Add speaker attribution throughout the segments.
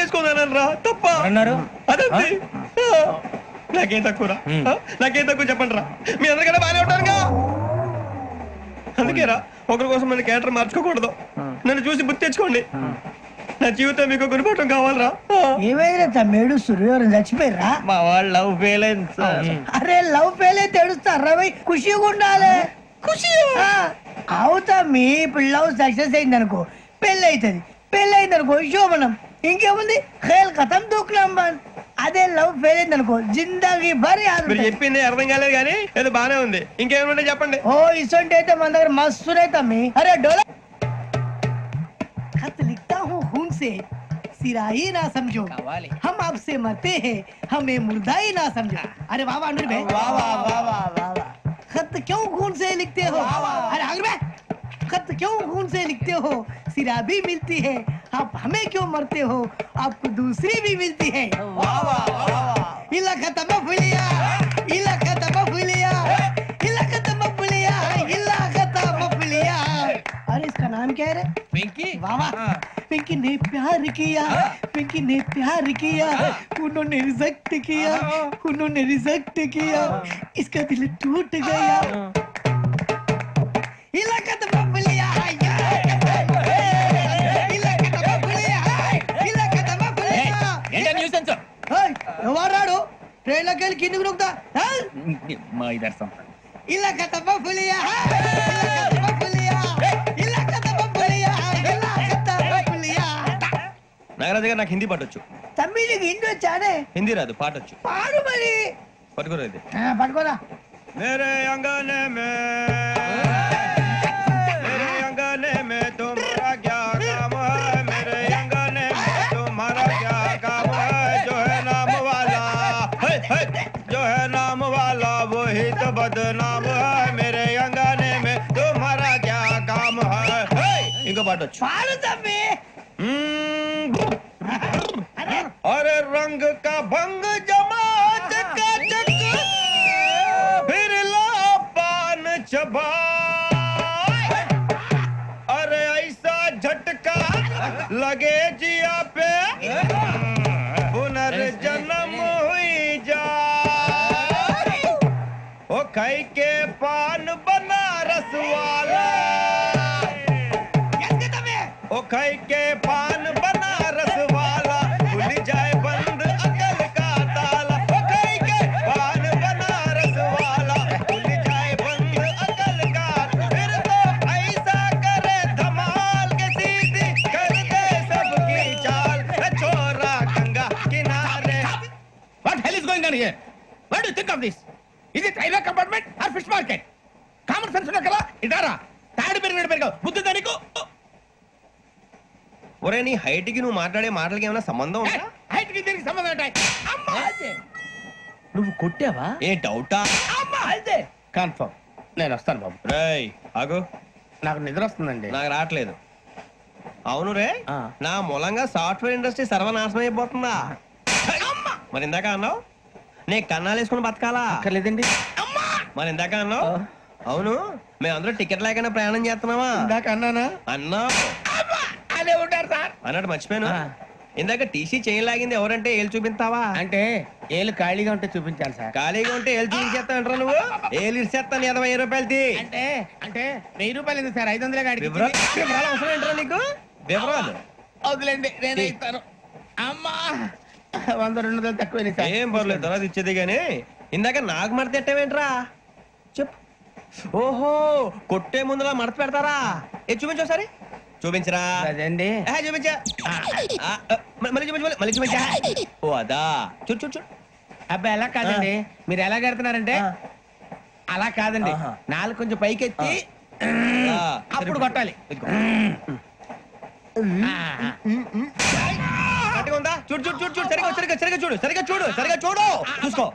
Speaker 1: చేసుకోదానరా తప్ప
Speaker 2: అన్నారు
Speaker 1: అదే నాకేం తక్కువరా నాకేం తక్కువ చెప్పండి రా మీ అందరికన్నా బాగానే ఉంటారుగా అందుకేరా ఒకరి కోసం మన క్యారెక్టర్ మార్చుకోకూడదు నన్ను చూసి గుర్తు తెచ్చుకోండి నా జీవితం మీకు గురిపటం కావాలరా
Speaker 3: ఏమైనా తమ్మేడు సూర్యవరం చచ్చిపోయిరా
Speaker 1: మా వాళ్ళు లవ్ ఫెయిల్ అయింది సార్
Speaker 3: అరే లవ్ ఫెయిల్ అయితే ఏడుస్తారా భయ్ ఖుషిగా ఉండాలి ఖుషి అవుతా మీ ఇప్పుడు లవ్ సక్సెస్ అయింది అనుకో పెళ్ళి అవుతుంది పెళ్ళి అయింది అనుకో శోభనం ఇంకేముంది ఖేల్ కథం దూకునాం బాన్ అదే లవ్ ఫెయిల్ అయింది అనుకో జిందాగీ భారీ
Speaker 1: మీరు చెప్పింది అర్థం కాలేదు కానీ ఏదో బానే ఉంది ఇంకేమంటే చెప్పండి
Speaker 3: ఓ ఇసొంటి అయితే మన దగ్గర మస్తు తమ్మి అరే డోలా खत लिखता हूँ खून से सिरा ही ना समझो हम आपसे मरते हैं हमें मुर्दा ही ना समझो अरे वाह वाह अनुर भाई वाह वाह वाह वाह वाह खत क्यों खून से लिखते हो अरे अनुर भाई खत क्यों खून से लिखते हो सिरा भी मिलती है आप हमें क्यों मरते हो आपको दूसरी भी मिलती है वाह वाह वाह इला खत्म फुलिया इला खत्म फुलिया इला खत्म फुलिया इला खत्म फुलिया अरे इसका नाम क्या है रे
Speaker 2: पिंकी
Speaker 3: वाह वाह पिंकी ने प्यार किया पिंकी ने प्यार किया उन्होंने रिजेक्ट किया उन्होंने रिजेक्ट किया इसका दिल टूट गया इलाका तो बबलिया इलाका तो बबलिया इलाका तो बबलिया
Speaker 2: ఏంటా న్యూసెన్స్
Speaker 3: ఎవరాడు ట్రైన్ లోకి వెళ్ళి కిందికి నొక్కుతా
Speaker 2: మా ఇదర్శం
Speaker 3: ఇలాకా तो बबलिया इलाका तो बबलिया इलाका तो बबलिया इलाका तो बबलिया
Speaker 1: నాగరాజు గారు నాకు హిందీ పాటొచ్చు
Speaker 3: తమ్మి నీకు హిందీ వచ్చానే
Speaker 1: హిందీ రాదు పాటొచ్చు
Speaker 3: పాడు మరి
Speaker 1: పట్టుకోలేదు
Speaker 3: పట్టుకోరా
Speaker 1: मेरे अंगने में मेरे अंगने में तुम्हारा क्या काम है मेरे अंगने में तुम्हारा क्या काम है जो है नाम वाला जो है नाम वाला वही तो बदनाम है मेरे अंगने में तुम्हारा क्या काम है इनको बाटो
Speaker 3: పాడు తమ్మి
Speaker 1: अरे रंग का भंग जमा चकाचक फिर ला पान चबा अरे ऐसा झटका लगे जिया पे पुनर्जन्म हुई जा ओ खाई के पान बनारस वाला ओ खाई के पान बनारस वाला खुल जाए बंद अकल का ताला ओ खाई के पान बनारस वाला खुल जाए बंद अकल का फिर तो ऐसा करे धमाल के सीधी कर दे सबकी चाल छोरा गंगा किनारे
Speaker 2: What hell is going on here? What do you think of this? Is it railway compartment or fish market? Common sense ఉన్న కదా ఇటారా తాడి పెరిగావు బుద్ధి దానికి
Speaker 1: ఒరే నీ హైట్ కి నువ్వు మాట్లాడే మాటలకి ఏమైనా సంబంధం ఉందా
Speaker 2: హైట్ కి దీనికి సంబంధం ఉంటాయి అమ్మా నువ్వు కొట్టావా
Speaker 1: ఏ డౌటా
Speaker 2: అమ్మా అయితే కన్ఫర్మ్ నేను వస్తాను బాబు
Speaker 1: రేయ్ ఆగు
Speaker 2: నాకు నిద్ర వస్తుందండి
Speaker 1: నాకు రావట్లేదు అవును రే
Speaker 2: ఆ.
Speaker 1: నా మూలంగా సాఫ్ట్వేర్ ఇండస్ట్రీ సర్వనాశనం అయిపోతుందా మరి ఇందాక అన్నావు నే కన్నాలు వేసుకుని బతకాలా
Speaker 2: అక్కర్లేదండి
Speaker 1: మరి ఇందాక అన్నావు అవును మేమందరూ టికెట్ లేకుండా ప్రయాణం చేస్తున్నావా
Speaker 2: ఇందాక అన్నానా
Speaker 1: అన్నావు
Speaker 2: అదే ఉంటారు సార్
Speaker 1: అన్నట్టు మర్చిపోయాను
Speaker 2: ఆ.
Speaker 1: ఇందాక టీసీ చేయి లాగింది ఎవరంటే ఏళ్ళు చూపిస్తావా
Speaker 2: అంటే ఏళ్ళు ఖాళీగా ఉంటే చూపించాలి సార్
Speaker 1: ఖాళీగా ఉంటే ఏళ్ళు చూపించేస్తానంటారా నువ్వు ఏళ్ళు ఇచ్చేస్తాను 20 రూపాయలది
Speaker 2: అంటే అంటే 1000 రూపాయలు ఎందుకు సార్ 500 గాడికి
Speaker 1: వివరాలు అవసరం ఏంటరా నీకు వివరాలు
Speaker 2: వదిలేండి నేనే ఇస్తాను అమ్మా 100-200 తక్కువ సార్
Speaker 1: ఏం పర్లేదు తర్వాత ఇచ్చేది గానీ ఇందాక నాకు మడత పెట్టావేంట్రా చెప్పు ఓహో కొట్టే ముందులా మడత పెడతారా ఏ చూపించు ఒకసారి చూపించరా
Speaker 2: అదండి
Speaker 1: చూపించా మళ్ళీ చూపించు మళ్ళీ చూపించా ఓ అదా చూడు చూడు చూడు
Speaker 2: అబ్బాయి ఎలా కాదండి మీరు ఎలా కడుతున్నారంటే అలా కాదండి నాలుగు కొంచెం పైకెత్తి అప్పుడు కొట్టాలి
Speaker 1: ఇదిగో. గట్టిగా ఉందా చూడు చూడు చూడు చూడు సరిగా సరిగా సరిగా చూడు సరిగా చూడు సరిగా చూడు చూసుకో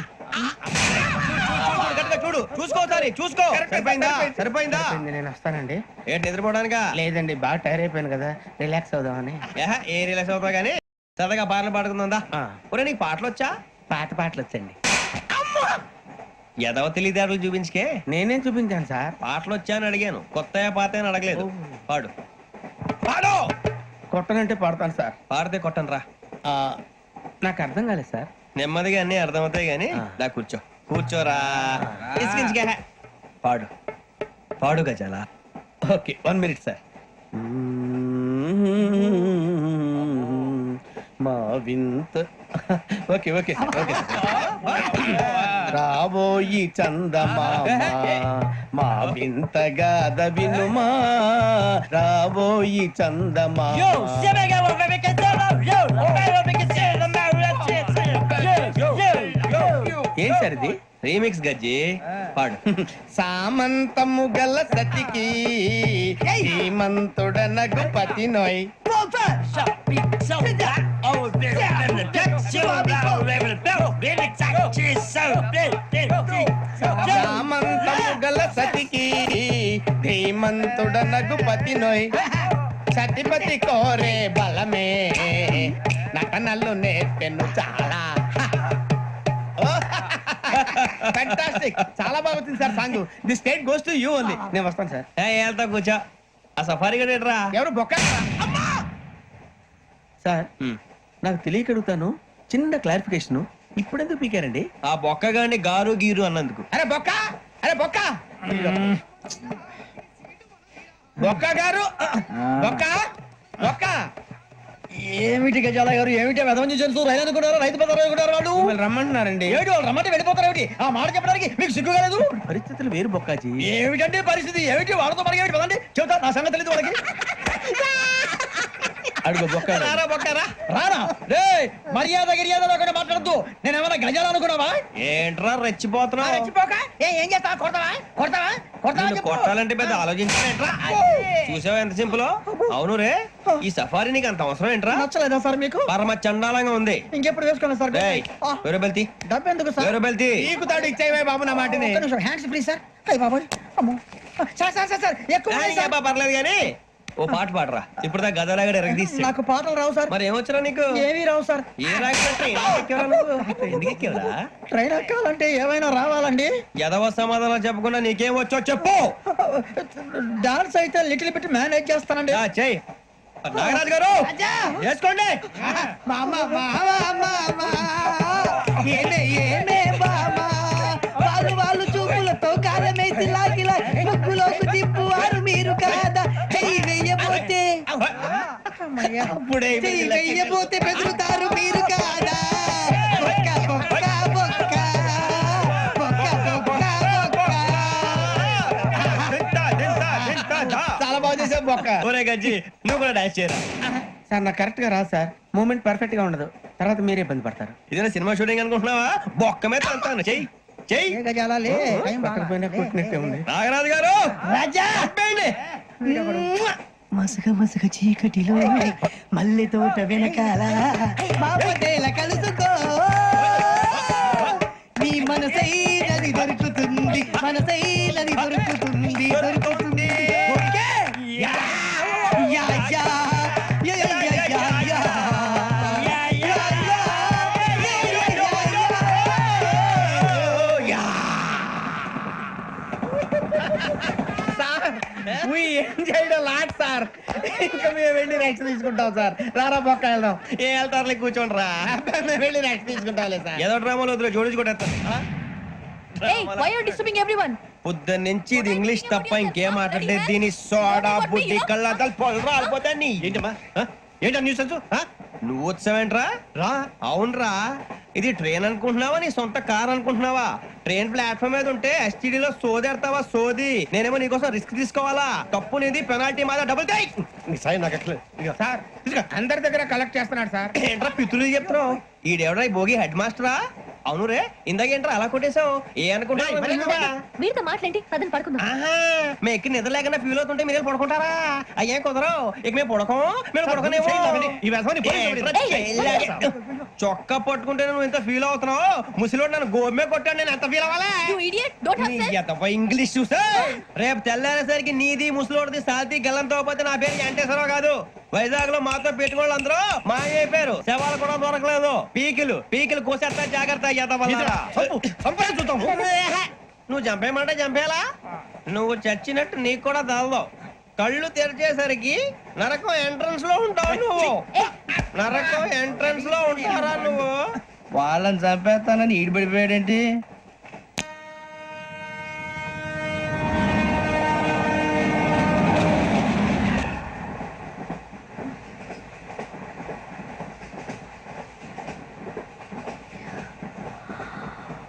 Speaker 1: గట్టిగా చూడు చూసుకో సారి చూసుకో సరిపోయిందా సరిపోయిందా
Speaker 2: నేను వస్తానండి
Speaker 1: ఏంటి నిద్రపోవడానికా
Speaker 2: లేదండి బాగా టైర్ అయిపోయాను కదా రిలాక్స్ అవుదామని
Speaker 1: ఏ రిలాక్స్ అవుతావు కానీ సరదాగా పాటలు పాడుకుందా
Speaker 2: ఆ.
Speaker 1: ఒరే నీకు పాటలు వచ్చా
Speaker 2: పాటలు వచ్చండి
Speaker 1: ఎదవ తెలివితేటలు చూపించుకే
Speaker 2: నేనేం చూపించాను సార్
Speaker 1: పాటలు వచ్చా అని అడిగాను కొత్త పాత అని అడగలేదు పాడు పాడు
Speaker 2: కొట్టనంటే పడతాను సార్
Speaker 1: పాడితే కొట్టను రా
Speaker 2: నాకు అర్థం కాలేదు సార్.
Speaker 1: నెమ్మదిగా అన్ని అర్థమవుతాయి గాని దా కూర్చో కూర్చోరా ఇసుకించుకే పాడు పాడు గజాల
Speaker 2: ఓకే 1 minute సార్. మా వింత ఓకే ఓకే సార్ ఓకే రాబోయి చందమామ మా వింత గాథ వినుమా రాబోయి చందమామ. ఏం సార్ ఇది?
Speaker 1: రీమిక్స్ గజ్జి పాడు
Speaker 2: సామంతము గల సతికి హేమంతుడనగు పతి నోయ్. సామంతము గల సతికి ధీమంతుడనగు పతి నోయ్. సతిపతి కోరే బలమే నటనలు నేర్పెను చాలా. ఫ్యాంటాస్టిక్, చాలా బాగా వచ్చింది sir song. The state goes to you only. నేను వస్తాను సార్.
Speaker 1: వెళ్తా కూర్చో ఆ సఫారీ గడేట్రా
Speaker 2: ఎవరు బొక్క సార్? నాకు తెలియక అడుగుతాను, చిన్న క్లారిఫికేషన్. ఇప్పుడెందుకు పీకారండి?
Speaker 1: ఆ బొక్కగాని గారు గీరు అన్నందుకు.
Speaker 2: అరే బొక్క, అరే బొక్క, బొక్క గారు, బొక్క బొక్క.
Speaker 3: ఏమిటి గజాల గారు, ఏమిటి వెదవం చూసారు? రైలు అనుకున్నారు, రైతు బజార్ అనుకున్నారు. వాళ్ళు
Speaker 2: మిమ్మల్ని రమ్మంటున్నారండి.
Speaker 3: ఏమిటి వాళ్ళు రమ్మంటే వెళ్ళిపోతారు? ఏమిటి ఆ మాట చెప్పడానికి మీకు సిగ్గు కాలేదు?
Speaker 2: పరిస్థితులు వేరు బొక్కాజీ.
Speaker 3: ఏమిటంటే పరిస్థితి ఏమిటి? వాళ్ళతో మనకి ఏమిటి పదండి, చెబుతా. నా సంగతి తెలియదు వాళ్ళకి.
Speaker 2: అడుగు బొక్క.
Speaker 1: రారా బొక్కరా
Speaker 3: రానా రే, మర్యాద గిర్యాద లేకుండా మాట్లాడద్దు. నేను ఏమన్నా గజాలు అనుకున్నావా?
Speaker 1: ఏంట్రా రెచ్చిపోతున్నావు?
Speaker 3: రెచ్చిపోక ఏం చేస్తావా? కొడతావా కొడతావా కొడతావా
Speaker 1: నిన్ను
Speaker 3: చెప్పు.
Speaker 1: కొట్టాలంటే పెద్ద ఆలోచించావేంట్రా? చూసావా ఎంత సింపుల్? అవును రే, ఈ సఫారీ నీకు అంత అవసరం ఏంట్రా?
Speaker 3: నచ్చలేదా సార్ మీకు?
Speaker 1: పరమ చండాలంగా ఉంది.
Speaker 3: ఇంకెప్పుడు వేసుకోండి సార్.
Speaker 1: వేరే బెల్తి
Speaker 3: డబ్బు ఎందుకు సార్?
Speaker 1: వేరే బెల్తి
Speaker 2: నీకు తాడు ఇచ్చేవే బాబు నా మాటని.
Speaker 3: Hands free sir. అయ్య బాబోయ్, అమ్మో. సార్ సార్ సార్ సార్ ఎక్కువ ఉన్నాయి సార్.
Speaker 1: పర్లేదు కానీ ఓ పాట పాడరా. ఇప్పుడు దా గదలాగడ ఎరగదీసి.
Speaker 3: నాకు పాటలు రావు సార్.
Speaker 1: మరి ఏమొచ్చరా నీకు?
Speaker 3: ఏమీ రావు సార్.
Speaker 1: ఏ రాకపోతే ఎందుకు ఎక్కేవరా?
Speaker 3: ట్రైన్ ఎక్కాలంటే ఏమైనా రావాలండి.
Speaker 1: ఎదవ సమాధానం చెప్పకుండా నీకేం వచ్చో చెప్పు.
Speaker 3: డాన్స్ అయితే లిటిల్ బిట్ మేనేజ్ చేస్తానండి.
Speaker 1: చెయ్యి నాగరాజు గారు వేసుకోండి.
Speaker 3: మామ మామ మామ ఏమే ఏమే మామ వాళ్ళు వాళ్ళు చూపులతో కాలమేసి లాగిలా ముగ్గులోకి తిప్పువారు మీరు కాదా? చెయ్యి వెయ్యబోతే
Speaker 1: అప్పుడే
Speaker 3: చెయ్యి వెయ్యబోతే బెదురుతారు మీరు కాదా? బొక్క బొక్క బొక్క బొక్క బొక్క బొక్క.
Speaker 2: చాలా బాగా చేసావు బొక్క.
Speaker 1: ఒరే గజ్జి నువ్వు కూడా డాన్స్ చేయరా.
Speaker 2: సార్ నాకు కరెక్ట్ గా రాదు సార్. మూమెంట్ పర్ఫెక్ట్ గా ఉండదు, తర్వాత మీరే ఇబ్బంది పడతారు.
Speaker 1: ఇదేనా సినిమా షూటింగ్ అనుకుంటున్నావా? బొక్క మీద అంటాను. చెయ్యి చెయ్యి.
Speaker 3: ఏ గజాలాలే
Speaker 2: పక్కన పోయినా కొట్టినట్టే ఉంది.
Speaker 1: నాగరాజు గారు
Speaker 3: రాజా
Speaker 1: చెప్పండి.
Speaker 3: మసక మసక చీకటిలో మల్లె తోట వెనకాల బాపటేల కలుసుకో నీ మనసైనది దొరుకుతుంది, మనసైనది దొరుకుతుంది దొరుకుతుంది. Okay? Yeah, yeah, yeah, yeah, yeah, yeah, yeah, yeah. Yeah, yeah, yeah, yeah, yeah.
Speaker 2: Sir we enjoyed a lot, sir. ఇంకా మేము వెళ్ళి రెక్స్ తీసుకుంటాం సార్. రారా బొక్క వెళ్దాం.
Speaker 1: ఏ వెళ్తారులే కూర్చోండి రా.
Speaker 2: మేము వెళ్ళి రెక్స్ తీసుకుంటాంలే సార్.
Speaker 1: ఏదో డ్రామాలో వద్దులే జోడించుకుంటా.
Speaker 4: Hey, why are you disturbing everyone?
Speaker 1: పొద్దున్న నుంచి ఇది ఇంగ్లీష్ తప్ప ఇంకేం మాట్లాడలేదు. దీని సోడా బుద్ధి కళ్ళ పొలరా అయిపోతా నీ. ఏంటమ్మా ఏంటా న్యూస్ నువ్వు వచ్చావేంట్రా? రా. అవునరా, ఇది ట్రైన్ అనుకుంటున్నావా నీ సొంత కార్ అనుకుంటున్నావా? ట్రైన్ ప్లాట్ఫామ్ మీద ఉంటే STD లో సోదేడతావా సోది. నేనేమో నీకోసం రిస్క్ తీసుకోవాలా? తప్పు నీది, పెనాల్టీ మాదా, డబుల్ టై.
Speaker 2: సార్ అందరి దగ్గర కలెక్ట్ చేస్తున్నాడు సార్.
Speaker 1: ఏంట్రా పితులు చెప్తున్నావు? ఈడెవడ్రా ఈ భోగి హెడ్ మాస్టరా? అవును రే, ఇందాకేంట్రా అలా కొట్టేశావు? ఏ అనుకుంటావు?
Speaker 4: వీరితో మాట్లాడి అతను పడుకుందాం.
Speaker 1: మేము ఎక్కి నిద్ర లేకుండా ఫీల్ అవుతుంటే మీరు పడుకుంటారా? అయ్యే కుదరవు. ఇక మేము పడకం, మేము పడకనేమో. చొక్కా పట్టుకుంటే నువ్వు ఎంత ఫీల్ అవుతున్నావు? ముసలివాడు నన్ను గోమే కొట్టాడు, నేను ఎంత ఫీల్ అవ్వాలా?
Speaker 4: You idiot, don't have sense.
Speaker 1: English చూసా రేపు తెల్లారేసరికి నీది ముసలోడిది సాల్తీ గల్లంతో పోతే నా పేరు వెంకటేశ్వరరావు కాదు. వైజాగ్ లో మాతో పెట్టుకోళ్ళు అందరూ మాయైపోయారు. శవాలు కూడా దొరకలేదు. పీకిలు కోసేస్తా, జాగ్రత్త. నువ్వు చంపేయమంటే చంపేలా? నువ్వు చచ్చినట్టు నీకు కూడా తగదు. కళ్ళు తెరిచేసరికి నరకం ఎంట్రన్స్ లో ఉంటావు నువ్వు
Speaker 4: ఏ
Speaker 1: నరకం ఎంట్రన్స్ లో ఉంటారా నువ్వు
Speaker 2: వాళ్ళని చంపేస్తానని ఈడిపడిపోయాడేంటి